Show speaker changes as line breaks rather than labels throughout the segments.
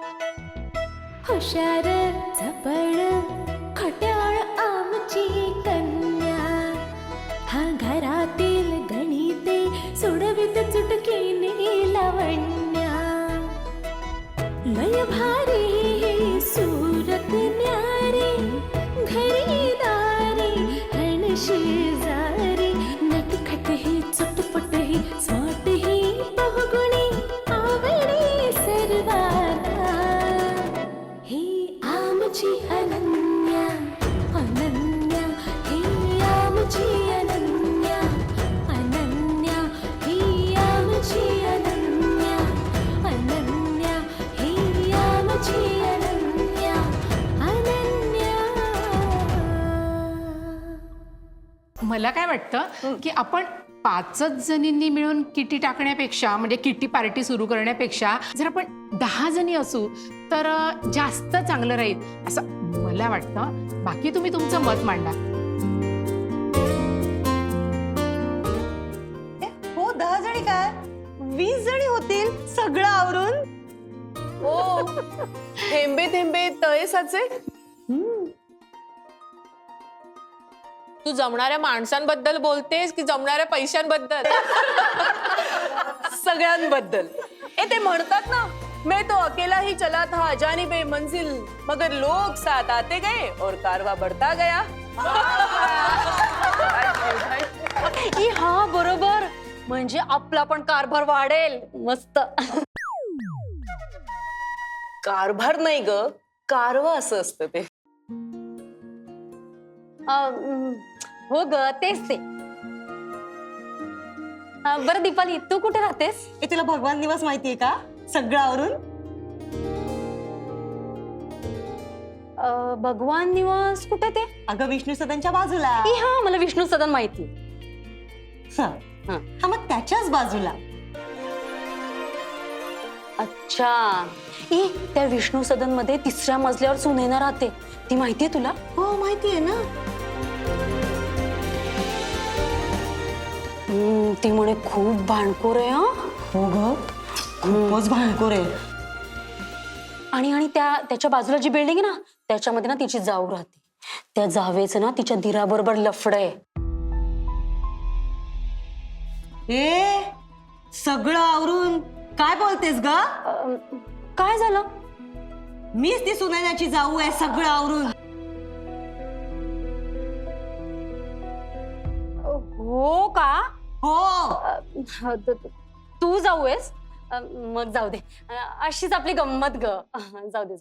हुशार चपळ खट्याळ आमची कन्या, हा घरातील गणिते सोडवित चुटकीने लावण्या. लय भारी ही सूरत न्यारी, घरी दारी हण शेजारी, नटखट ही चटपट ही स्मार्ट ही बहुगुणी आवडी सर्वांना. ही आमची अनन्या अनन्या, ही आमची अनन्या अनन्या, ही आमची अनन्या अनन्या, ही आमची अनन्या अनन्या.
मला काय वाटतं की आपण 5च जणींनी मिळून किटी टाकण्यापेक्षा, म्हणजे किटी पार्टी सुरू करण्यापेक्षा जर आपण 10 जणी असू तर जास्त चांगलं राहील असं मला वाटतं. बाकी तुम्ही तुमचं मत मांडा.
हो 10 जणी काय 20 जणी होतील सगळं आवरून.
हो थेंबे थेंबे तळे साचे. तू जमणाऱ्या माणसांबद्दल बोलतेस की जमणाऱ्या पैशांबद्दल? सगळ्यांबद्दल. ते म्हणतात ना, मैं तो अकेला ही चला था जानी बेमंजिल, मगर लोग साथ आते गए और कारवा बढ़ता गया.
हा बरोबर, म्हणजे आपला पण कारभार वाढेल. मस्त.
कारभार नाही ग, कारवा असं असतं ते.
हो ग, तेच ते. बरं दीपाली, तू कुठे राहतेस?
तुला भगवान निवास माहितीये का सगळं आवरून?
भगवान निवास कुठे ते?
अगं विष्णू सदनच्या बाजूला.
हा, मला विष्णू सदन माहिती.
हा मग त्याच्याच बाजूला.
अच्छा. त्या विष्णू सदन मध्ये 3ऱ्या मजल्यावर सुनैना राहते, ती माहितीये तुला?
हो माहितीये ना.
ती म्हणे खूप भांडखोर आहे.
हो ग, खूपच भांडखोर आहे.
आणि त्याच्या बाजूला जी बिल्डिंग आहे ना, त्याच्यामध्ये ना तिची जाऊ राहते. त्या जावेचं ना तिच्या दिराबरोबर लफड आहे.
सगळं आवरून काय बोलतेस ग?
काय झालं?
मीच ती सुनैनाची जाऊ आहे सगळं आवरून.
हो का?
हो.
तू जाऊ आहेस? मग जाऊ दे, अशीच आपली गंमत ग. जाऊ दे.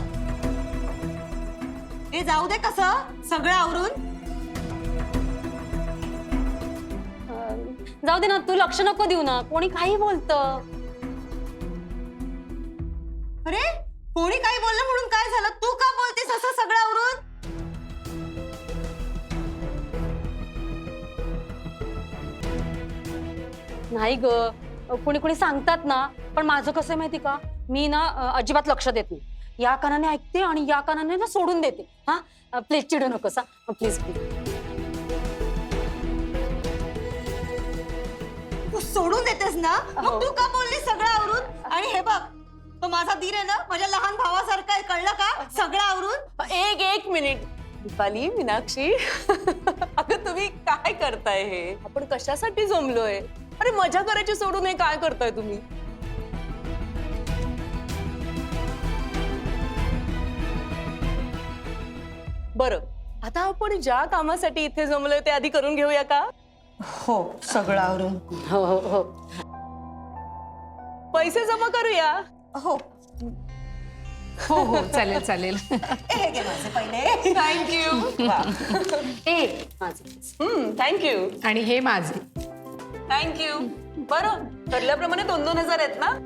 ते जाऊ दे कसं सगळं आवरून.
जाऊ दे ना, तू लक्ष नको देऊ ना, कोणी काही बोलतं.
अरे कोणी काही बोललं म्हणून काय झालं? तू का बोलतेस असं सगळं आवरून?
नाही ग, कोणी सांगतात ना, पण माझं कसं आहे माहिती का, मी ना अजिबात लक्ष देत नाही. या कानाने ऐकते आणि या कानाने ना सोडून देते. हा प्लीज चिडू नकोस. Please please.
तू सोडून देतेस ना, मग तू का बोलली सगळं आवरून? आणि हे बघ, तो माझा धीर आहे ना, माझ्या लहान भावासारखा आहे, कळलं का? सगळं आवरून.
एक मिनिट दीपाली, मीनाक्षी, अगं तुम्ही काय करताय? हे आपण कशासाठी जमलोय? अरे मजा करायची सोडून हे काय करताय तुम्ही? बरं, आता आपण ज्या कामासाठी इथे जमलोय ते आधी करून घेऊया का?
हो सगळं आवरून.
हो हो हो.
पैसे जमा करूया.
हो
हो हो, चालेल चालेल.
हे घे माझे पहिले.
थँक्यू. थँक्यू.
आणि हे माझे.
थँक्यू. बरं, ठरल्याप्रमाणे 2-2 हजार आहेत ना?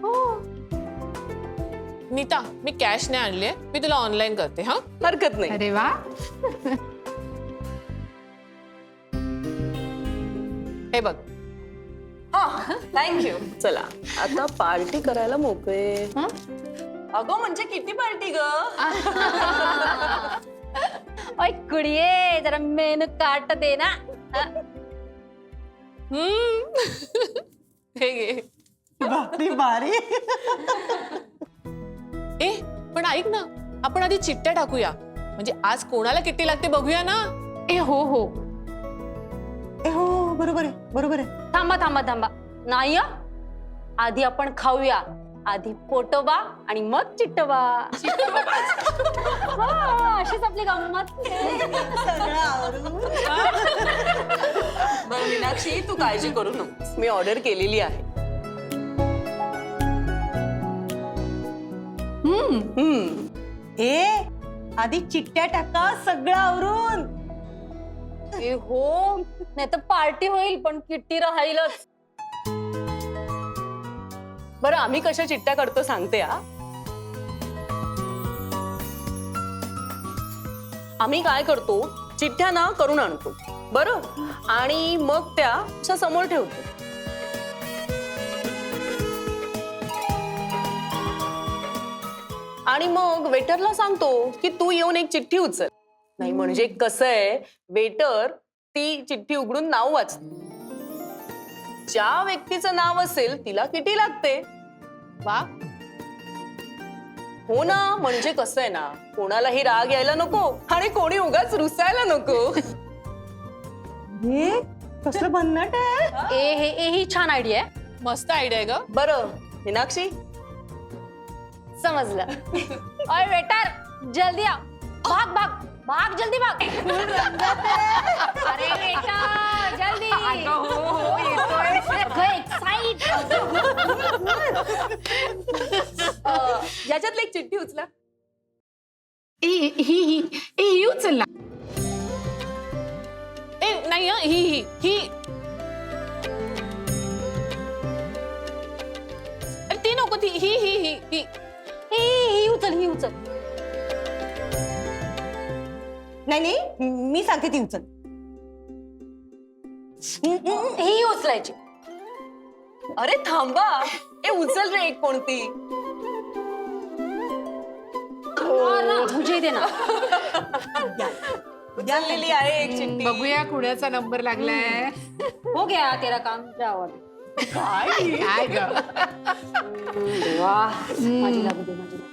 नीता, मी कॅश नाही आणलीये, मी तुला ऑनलाईन करते. हा, हरकत नाही.
अरे वा.
हे बघ. थँक्यू. चला आता पार्टी करायला मोकळे. अगं म्हणजे किती पार्टी ग?
ओय कुडिये, जरा मेनू काट दे ना.
हे घे.
बापरी बारी.
ए पण ऐक ना, आपण आधी चिठ्ठ्या टाकूया, म्हणजे आज कोणाला किती लागते बघूया ना.
ए हो हो,
हो बरोबर आहे बरोबर आहे.
थांबा थांबा थांबा, नाही हं. आधी आपण खाऊया, आधी पोटोबा आणि मग चिट्टोबा. हा, अशीच आपली गंमत.
सगळं आवरून
बरं मीनाक्षी, तू काळजी करू नको, मी ऑर्डर केलेली आहे.
ए आधी चिठ्ठ्या टाका सगळं आवरून.
ए हो, नाही तर पार्टी होईल पण किट्टी राहीलच.
बरं आम्ही कशा चिठ्ठ्या करतो सांगते हा. आम्ही काय करतो, चिठ्ठ्या ना करून आणतो बरं, आणि मग त्या अशा समोर ठेवतो. आणि मग वेटरला सांगतो की तू येऊन एक चिठ्ठी उचल. नाही म्हणजे कसं आहे, वेटर ती चिठ्ठी उघडून नाव वाचतो. ज्या व्यक्तीचं नाव असेल तिला किती लागते. वा हो ना, म्हणजे कसं आहे ना, कोणालाही राग यायला नको आणि कोणी उगाच रुसायला नको.
हे कसलं भन्नाट आहे.
ए ही छान आयडिया आहे.
मस्त आयडिया आहे ग. बरं मीनाक्षी,
समजलं. ओय वेटर, जल्दी आ, भाग भाग भाग, जल्दी भाग. अरे बेटा जल्दी. एक्साइट.
याच्यातली एक चिठ्ठी उचला.
ही उचल ना.
ए नाही हं, ही अरे ती नको, ती ही
ही उचल, ही उचल.
नाही मी सांगते ती उचल.
ही उचलायची.
अरे थांबा, ए उचल रे एक कोणती.
हाँ ना, मुझे दे ना.
उचललेली आहे एक चिठ्ठी.
बघूया कुणाचा नंबर लागलाय.
हो गया तेरा काम, जाओ.
काय ग.
वाह, माझी लागू दे, माझी लागू.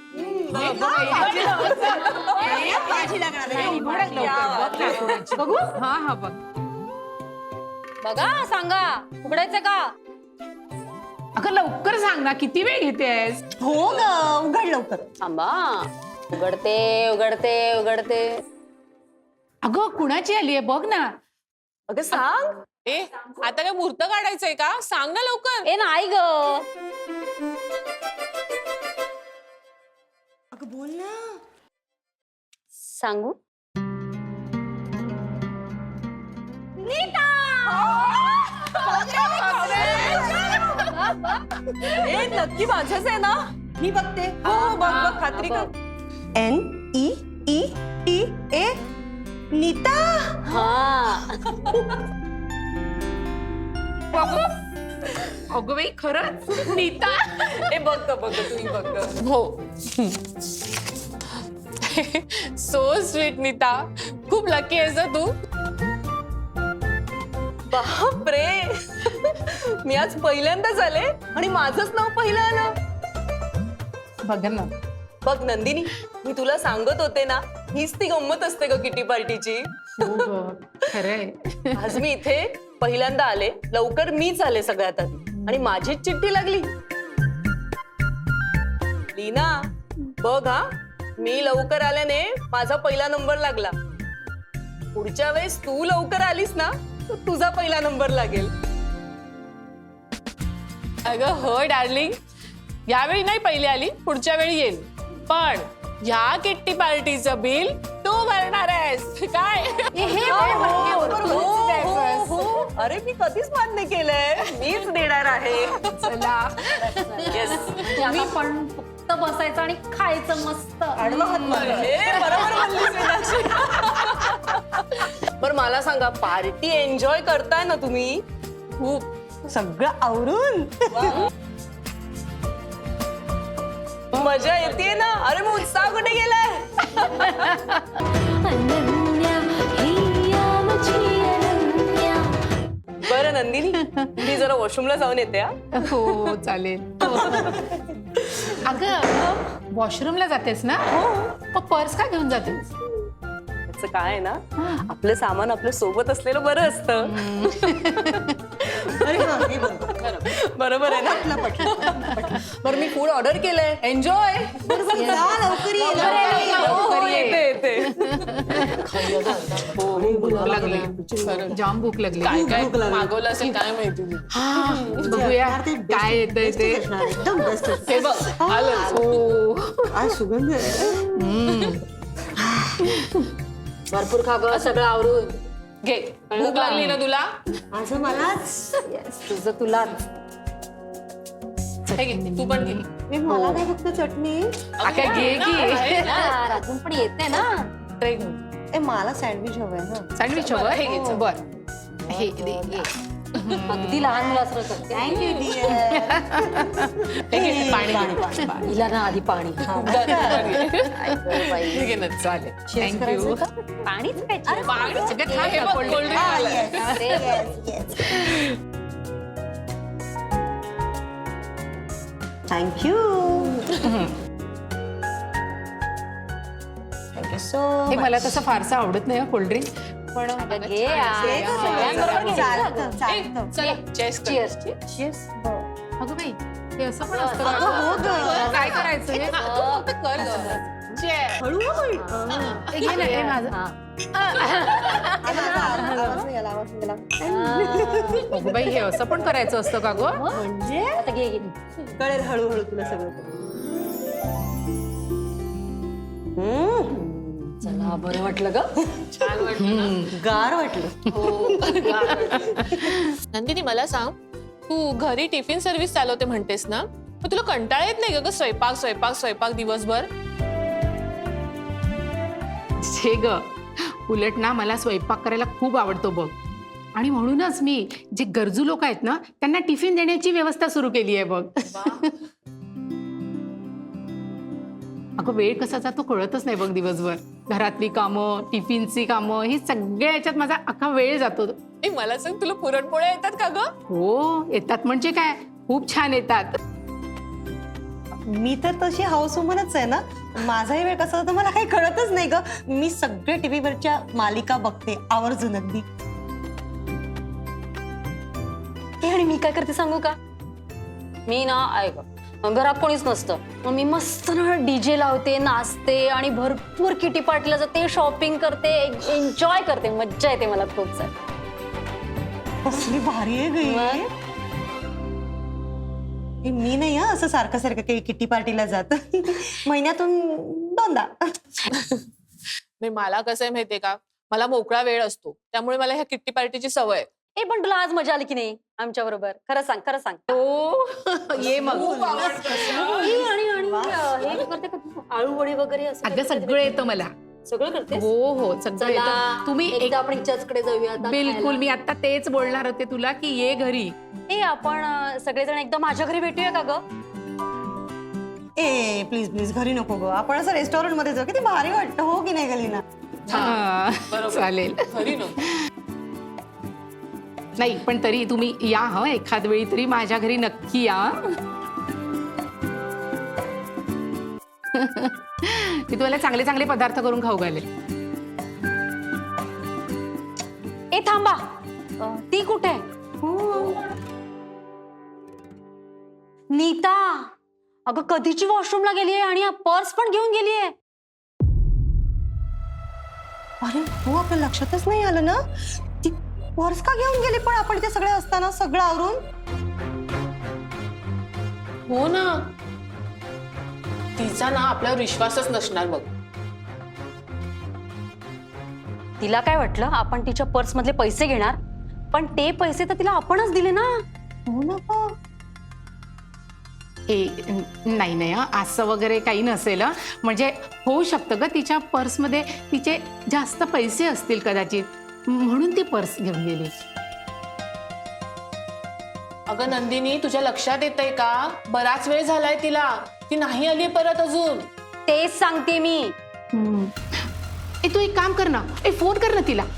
माझी लागणार आहे.
बघू. हा हा बघ.
बघा, सांगा उघडायचं का.
अगं लवकर सांग ना, किती वेळ घेतेस.
हो ग, उघड लवकर.
थांबा, उघडते उघडते उघडते.
अगं कुणाची आली आहे बघ ना.
अगं सांग. ए आता काय मुहूर्त काढायचंय का, सांग ना लवकर.
ए नाही ग.
अगं बोल ना.
सांगू.
ए नक्की माझंच आहे ना.
मी बघते.
हो बघ बघ, खात्री कर.
NEETA नीता.
हा.
अगं बाई खरंच नीता.
ए बघ तुम्ही बघ. हो सो स्वीट नीता, खूप लकी आहेस तू. बापरे, मी आज पहिल्यांदाच आले आणि माझंच नाव पहिलं आलं.
बघ ना.
बघ नंदिनी, मी तुला सांगत होते ना, हीच ती गंमत असते ग किटी पार्टीची.
खरंय.
आज मी इथे पहिल्यांदा आले, लवकर मीच आले सगळ्यात आधी आणि माझीच चिठ्ठी लागली. लीना बघ हा, मी लवकर आल्याने माझा पहिला नंबर लागला. पुढच्या वेळेस तू लवकर आलीस ना, तर तुझा पहिला नंबर लागेल. अगं हो डार्लिंग, यावेळी नाही पहिली आली, पुढच्या वेळी येईल. पण ह्या किट्टी पार्टीचं बिल तू भरणार आहेस काय. अरे मी कधीच मान्य केलंय, मीच देणार आहे.
चला.
येस,
आता पण फक्त बसायचं आणि खायचं मस्त.
बरोबर बोललीस मीनाक्षी. बरं मला सांगा, पार्टी एन्जॉय करताय ना तुम्ही.
खूप सगळं आवरून.
मजा येते ना. अरे मग उत्साह कुठे गेलाय.
अनन्या हिया मुझी अनन्या.
बरं नंदिनी, मी जरा वॉशरूमला जाऊन येते.
हो चालेल. अगं वॉशरूमला जातेस ना मग पर्स का घेऊन जातेस?
त्याचं काय आहे ना, आपलं सामान आपल्या सोबत असलेलं बरं असतं.
अरे हा, हे बरोबर.
बरोबर आहे ना? बरं मी फूड ऑर्डर केलंय, एन्जॉय.
जा, लवकर ये,
हो, येते.
भूक लागली जाम भूक लागली.
काय काय मागवलं असेल काय माहिती.
बघूया
यार, ते best-
काय येतंय
bestच
ते.
असणार, एकदम बेस्ट.
हे बघ आलं.
हो
काय सुगंध आहे.
भरपूर खा ग सगळं आवरून.
घे भूक लागली ना तुला.
माझं मलाच.
तुझं तुलाच.
हे घे तू पण घे.
मी मला काय फक्त चटणी.
आता घे की
यार, अजून पण येते ना.
ट्रे घेऊन.
ए मला सँडविच हवंय ना.
सँडविच
बरं, हे घे,
हवं
चल.
बर हे दे घे.
अगदी लहान मुलासारखं करते.
Thank you dear.
हे घे पाणी घे.
हिला ना आधी पाणी. हा.
दर, दर घे.
बाई.
हे घे ना.
चालेल
Cheers
थँक्यू
करायचं का?
पाणीच प्यायची.
पाणी
सगळं
हे
खा,
बघ,
cold
cold drink
Ah,
आलं.
yes. Yes, yes. Thank you. Thank you so
हे मला तसं फारसं आवडत नाही कोल्ड्रिंक पण
घे यार. सगळ्यांबरोबर घे.
चालतं
ए,
चालतं.
चला चेस
Cheers.
अगं बाई हे असं पण असतं
अगं, हो
का?
गं.
काय करायचं हे?
तू फक्त कर गं. Cheers.
हळू हळू.
हे घे ना, हे माझं.
हा.
आवाज गेला.
अगं बाई हे असं पण करायचं असतं का गं?
म्हणजे
आता घे घे.
कळेल हळूहळू तुला सगळं.
चला बरं वाटलं ग.
छान वाटलं.
गार वाटलं.
नंदिनी मला सांग, तू घरी टिफिन सर्व्हिस चालवते म्हणतेस ना, मग तुला कंटाळा येत नाही का ग स्वयंपाक स्वयंपाक स्वयंपाक दिवसभर?
छे ग उलट ना मला स्वयंपाक करायला खूप आवडतो बघ आणि म्हणूनच मी जे गरजू लोक आहेत ना त्यांना टिफिन देण्याची व्यवस्था सुरू केली आहे बघ. अगं वेळ कसा जातो कळतच नाही बघ दिवसभर. घरातली कामं टिफिनची कामं ही सगळ्या याच्यात माझा अख्खा वेळ जातो.
ए मला सांग, तुला पुरणपोळ्या येतात का ग?
हो येतात म्हणजे काय खूप छान येतात.
मी तर तशी हाऊस वुमनच आहे ना. माझाही वेळ कसा होता मला काही कळतच नाही ग. मी सगळे टीव्हीवरच्या मालिका बघते आवर्जून अगदी.
हे आणि मी काय करते सांगू का? मी ना ऐक घरात कोणीच नसतं मग मी मस्त ना डीजे लावते नाचते आणि भरपूर किटी पार्टीला जाते शॉपिंग करते एन्जॉय करते मज्जा येते मला खूप सारी.
कसली भारी आहे गई. मी नाही हा असं सारखं सारखं काही किटी पार्टीला जात. महिन्यातून 2दा.
नाही मला कसं आहे माहितीये का, मला मोकळा वेळ असतो त्यामुळे मला ह्या किट्टी पार्टीची सवय आहे.
ए पण तुला आज मजा आली की नाही आमच्या बरोबर? खरं सांग खरं सांग.
हो ये मग.
आणि हे करते का तू? आळू वडी वगैरे असं
अगं
करते का?
सगळं येतं मला.
सगळं करते.
हो हो सगळं येतं. तुम्ही
एकदा आपण हिच्याचकडे जाऊया आता
बिलकुल
खायला.
मी आता तेच बोलणार होते तुला की ये घरी.
ए आपण सगळेजण एकदा माझ्या घरी भेटूया का ग?
ए प्लीज प्लीज घरी नको ग. आपण असं रेस्टॉरंट मध्ये जाऊ. किती भारी वाटतं हो की नाही गलीना.
हा, चालेल.
घरी न
नाही पण तरी तुम्ही या ह एखाद वेळी तरी माझ्या घरी नक्की या. मी तुम्हाला चांगले चांगले पदार्थ करून खाऊ घालेल.
ए थांबा ती कुठे? नीता अगं कधीची वॉशरूमला गेली आहे आणि पर्स पण घेऊन गेली आहे.
अरे हो आपल्या लक्षातच नाही आलं ना. ती पर्स का घेऊन गेली पण आपण ते सगळे असताना सगळं आवरून.
हो ना, तिचा ना आपल्यावर विश्वासच नसणार बघ.
तिला काय वाटलं आपण तिच्या पर्स मधले पैसे घेणार पण ते पैसे तर तिला आपणच दिले ना.
हो ना गं.
नाही नाही हं, असं वगैरे काही नसेल हं. म्हणजे होऊ शकतं ग तिच्या पर्समध्ये तिचे जास्त पैसे असतील कदाचित म्हणून ती पर्स घेऊन गेली.
अगं नंदिनी तुझ्या लक्षात येतंय का, बराच वेळ झालाय तिला, ती नाही आली परत अजून.
तेच सांगते मी.
ए तू एक काम कर ना, ए फोन कर ना तिला.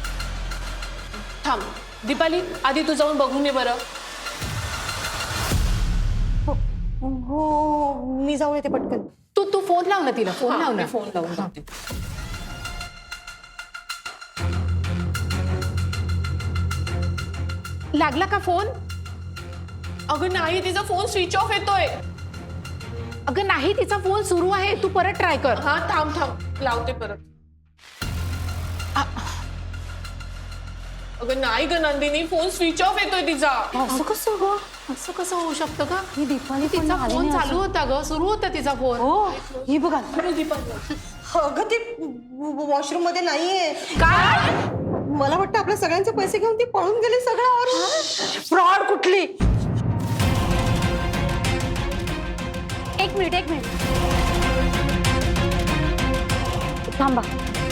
थांब दीपाली, आधी तू जाऊन बघून ये बरं.
हो मी जाऊन येते पटकन.
तू तू फोन लाव ना तिला, फोन लाव ना.
फोन लावून बघते.
लागला का फोन?
अगं नाही, तिचा फोन स्विच ऑफ येतोय.
अगं नाही, तिचा फोन सुरू आहे, तू परत ट्राय कर.
हा थांब थांब, लावते परत. अगं नाही ग नंदिनी, फोन स्विच ऑफ येतोय तिचा.
असं कसं ग?
असं कसं होऊ शकतं का?
ही दीपाली पण
तिचा
आली
फोन
नाही
चालू होता ग, सुरू होता तिचा फोन.
हो ही बघा
अगं ती वॉशरूम मध्ये नाहीये.
काय?
मला वाटतं आपल्या सगळ्यांचे पैसे घेऊन ती पळून गेली सगळं आवरून.
फ्रॉड कुठली. एक मिनिट थांबा.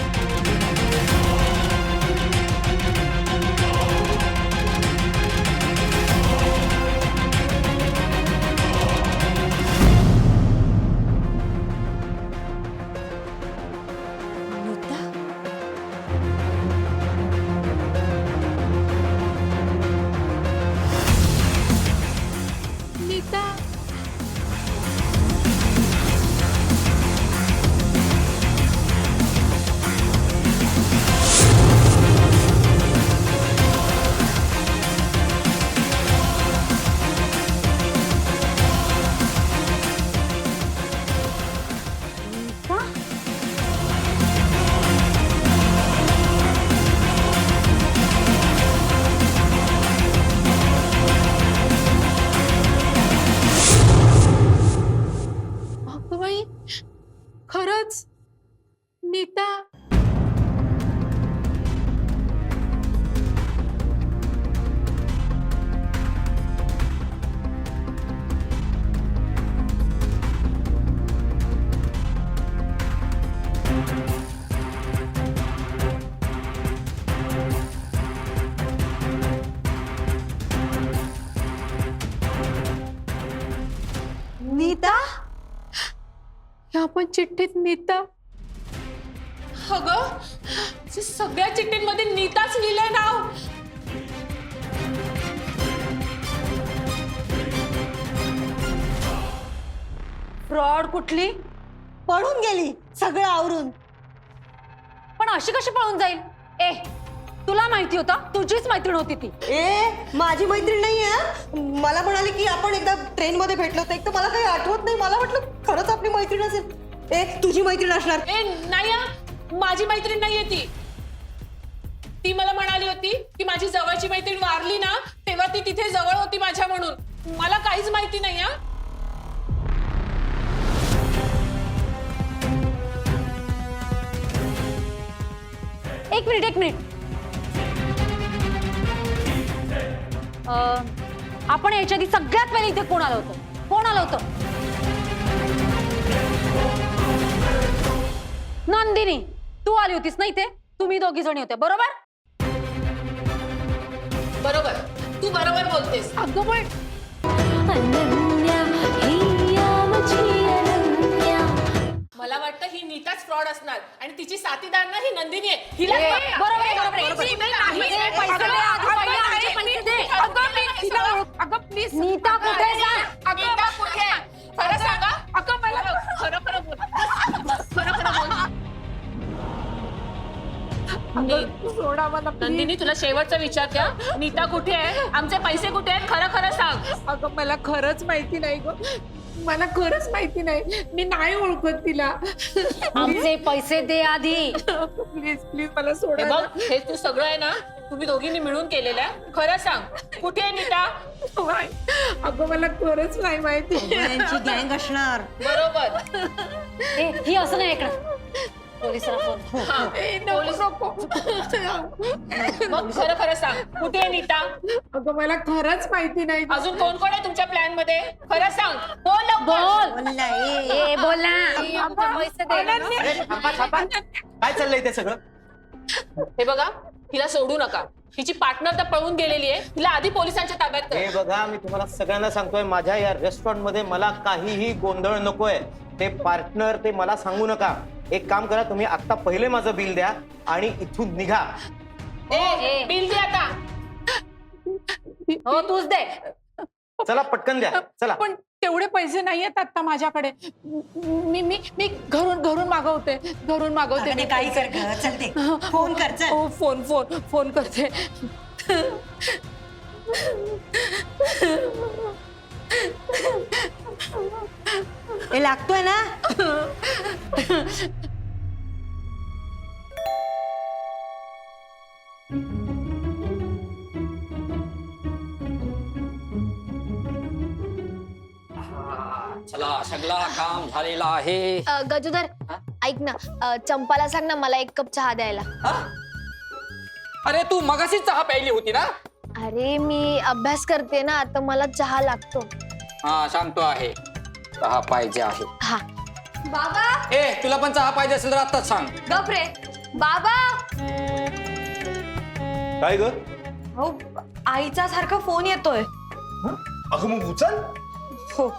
नीता. अगं बाई, खरंच नीता.
नीता
ह्या पण चिठ्ठीत नीता.
अगं सगळ्या चिठ्ठींमध्ये नीताच लिहिलंय नाव.
फ्रॉड कुठली.
पळून गेली सगळं आवरून.
पण अशी कशी पळून जाईल. ए तुला माहिती होतं, तुझीच मैत्रीण होती ती.
ए माझी मैत्रीण नाहीये. मला म्हणाली की आपण एकदा ट्रेन मध्ये भेटलो होतो. एक तर मला काही आठवत नाही. मला वाटलं खरंच आपली मैत्रीण असेल. ए तुझी मैत्रीण असणार.
ए नाही हा, माझी मैत्रीण नाहीये ती. ती मला म्हणाली होती की माझी जवळची मैत्रीण वारली ना, तेव्हा ती तिथे जवळ होती माझ्या म्हणून. मला काहीच माहिती नाही हा.
एक मिनिट आपण याच्या आधी सगळ्यात पहिले इथे कोण आलं होतं. नंदिनी तू आली होतीस ना इथे. तुम्ही दोघी जणी होत्या बरोबर.
बरोबर, तू बरोबर बोलतेस.
अगं पण
अनन्या हिया मुझे अनन्या.
मला वाटतं ही नीताच फ्रॉड असणार आणि तिची साथीदार ना ही नंदिनी आहे. हिला
बरोबर
अगं प्लीज
नीता कुठे सांग.
नीता कुठे आहे? खरं सांगा.
अगं मला
खरं खरं बोल. खरं बोल.
सोडा मला please.
नंदिनी तुला शेवटचा विचार द्या. नीता कुठे आहे? आमचे पैसे कुठे आहेत? खरं खरं सांग.
अगं मला खरंच माहिती नाही ग. मला खरंच माहिती नाही. मी नाही ओळखत तिला.
आमचे पैसे दे आधी.
प्लीज प्लीज मला
हे
सोडा.
बघ, हे तू सगळं आहे ना, तुम्ही दोघींनी मिळून केलेलं आहे. खरं सांग, कुठे आहे नीता?
अगं मला खरंच नाही माहिती.
यांची गँग असणार.
बरोबर.
ए ही असं नाही ऐकणार. पोलिसांना फोन.
हा, पोलीस नको. मग खरं खरं सांग, कुठे आहे नीता?
अगं मला खरंच माहिती नाही.
अजून कोण कोण आहे तुमच्या प्लॅन मध्ये? खरं सांग. बोल लवकर.
बोल.
बोलला, ए.
ए बोल ना. आमचे पैसे दे.
अरे थांबा थांबा, काय चाललंय ते सगळं?
हे बघा, हिला सोडू नका. हिची पार्टनर तर पळून गेलेली आहे. हिला आधी पोलिसांच्या ताब्यात
हे
कर.
बघा, मी तुम्हाला सगळ्यांना सांगतोय, माझ्या या रेस्टॉरंट मध्ये मला काहीही गोंधळ नकोय. ते पार्टनर ते मला सांगू नका. एक काम करा, तुम्ही आता पहिले माझं बिल द्या आणि इथून निघा.
ए बिल दे आता.
हो तूच दे.
चला पटकन द्या, चला.
पण तेवढे पैसे नाही आहेत आता माझ्याकडे. मी मी मी घरून मागवते
अगं, काही कर ग, चल ते फोन कर चल.
हो, फोन करते.
हे लागतोय ना.
चला सगळा काम झालेला आहे.
गजोदर ऐक ना, चंपाला सांग ना मला 1 कप चहा द्यायला.
हा? अरे तू मगाशी चहा प्यायली होती ना.
अरे मी अभ्यास करते ना, आता मला चहा लागतो.
हा सांगतो आहे, चहा पाहिजे आहे.
हा.
बाबा
ए तुला पण चहा पाहिजे असेल तर आत्ताच सांग.
गप रे. बाबा
काय ग?
हो, आईचा सारखा फोन येतोय.
अगं मग उचल.
हो.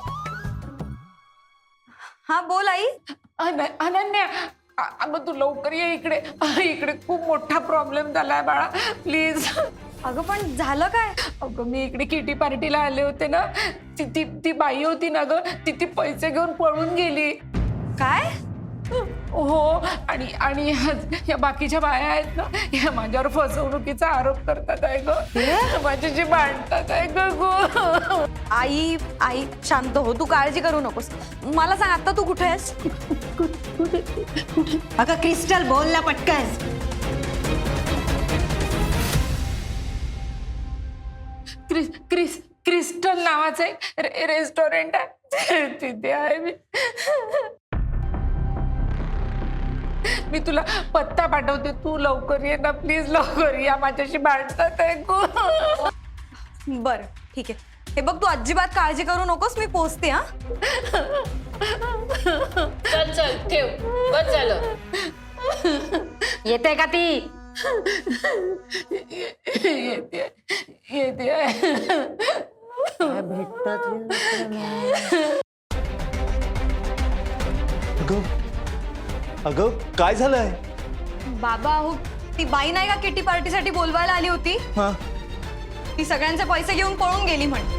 हा बोल आई.
अनन्या, अगं तू लवकर ये इकडे. इकडे खूप मोठा प्रॉब्लेम झालाय बाळा, प्लीज.
अगं पण झालं काय?
अगं मी इकडे किटी पार्टीला आले होते ना, ती बाई होती ना ग, ती पैसे घेऊन पळून गेली.
काय?
हो, आणि या बाकीच्या बाया आहेत ना, या माझ्यावर फसवणुकीचा आरोप करतात आहे ग, माझ्याशी भांडतात आहे ग गो.
आई शांत हो, तू काळजी करू नकोस. मला सांग आता तू कुठे आहेस?
अगं क्रिस्टल बोल ना पटकन.
क्रिस्टल नावाचं एक रेस्टॉरंट आहे, तिथे आहे मी. मी तुला पत्ता पाठवते, तू लवकर ये ना प्लीज, लवकर या, माझ्याशी भांडतात आहे गो.
बर ठीक आहे. हे बघ तू अजिबात काळजी करू नकोस, मी पोचते. हा
चल ठेव, बस झालं.
येते का ती?
येते
अगं काय झालंय?
बाबा हो, ती बाई नाही का किटी पार्टीसाठी बोलवायला आली होती,
हा
ती सगळ्यांचे पैसे घेऊन पळून गेली म्हण.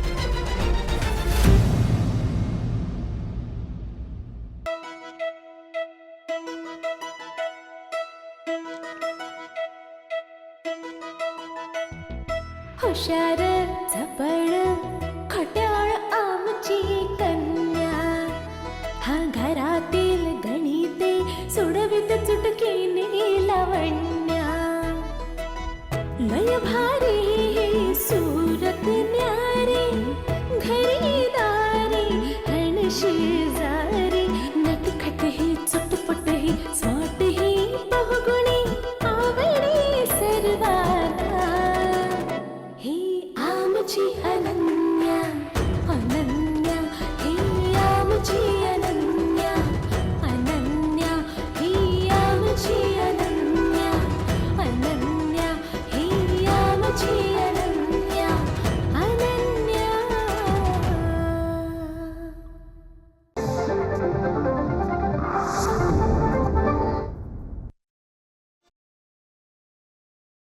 हुशार झपड खट्याळ आमची कन्या, हा घरातील गणिते सोडवित चुटकीने लावण्या. लय भारी सूरत न्यारी, घरी दारी हणशी जा